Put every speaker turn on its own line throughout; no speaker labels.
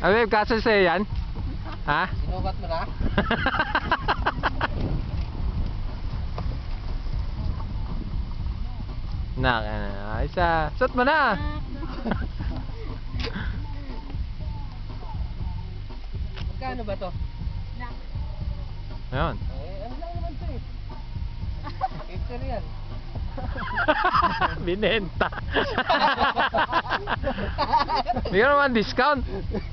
Babe, kaso sa'yo yan? Ha?
Sinukat mo na?
Ayos ah. Suot mo na.
Magkano ba to?
Ayun.
Ano lang naman to eh. Picture yan.
Binenta. Bigyan naman discount.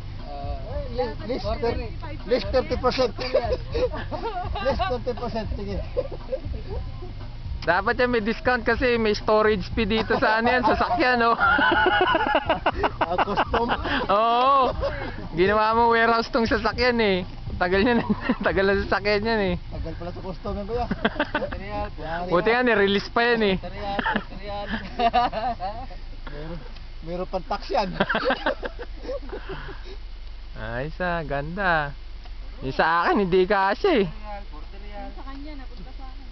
Less 30%. Less 30%. Sige.
Dapat yan may discount kasi may storage fee dito sa ano yan, sasakyan, no?
Custom.
Oo. Ginawa mo warehouse tong sasakyan eh. Tagal niya, tagal na sasakyan yan eh.
Tagal pala sa custom yan, kuya.
Buti nga ni-release pa yan eh.
Meron pang tax yan.
Ayos ah, ganda. Yung sa akin, hindi kasi eh.
Sa kanya, napunta sa akin.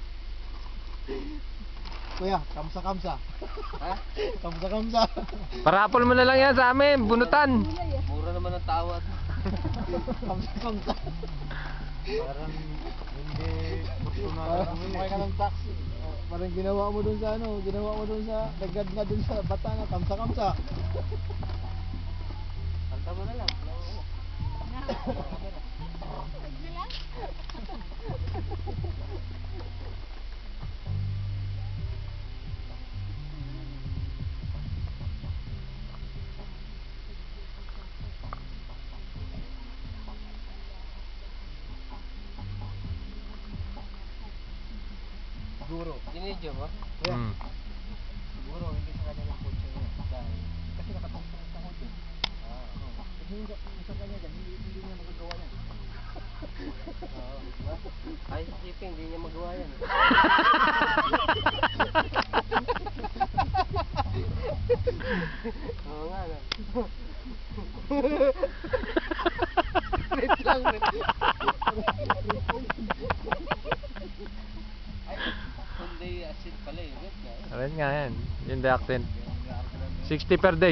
Kuya, kamsa-kamsa.
Ha?
Kamsa-kamsa.
Parapol mo na lang yan sa amin, bunutan.
Mura naman ang tawad.
Kamsa-kamsa.
Parang hindi
Parang ka ng tax. Parang ginawa mo dun sa ano, ginawa mo dun sa dagad na dun sa bata na kamsa-kamsa.
Kanta mo na lang.
Siguro.
Dinidyo mo?
Hmm.
Siguro hindi sa kanya yung kotse niya. Dahil kasi nakatungtong sa kotse. Kasi yung sa kanya dyan, hindi niya magagawa yan.
Oo. Diba? Ay, si Shipping, hindi niya magawa yan. Oo nga na. Wait lang. Ay, Hyundai Accent pala eh. Wait nga.
Alright nga yan, yung the accent. 60 per day.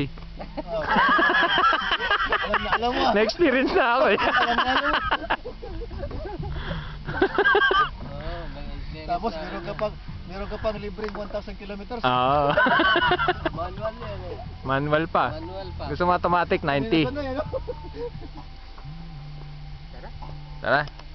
Alam mo.
Na-experience na ako eh.
Oo, may experience
Tapos
na.
meron ka pang libreng 1,000 kilometers.
Oo.
Manual yan eh.
Manual pa.
Manual pa.
Gusto mo automatic, 90.
Ano yan, no?
Tara.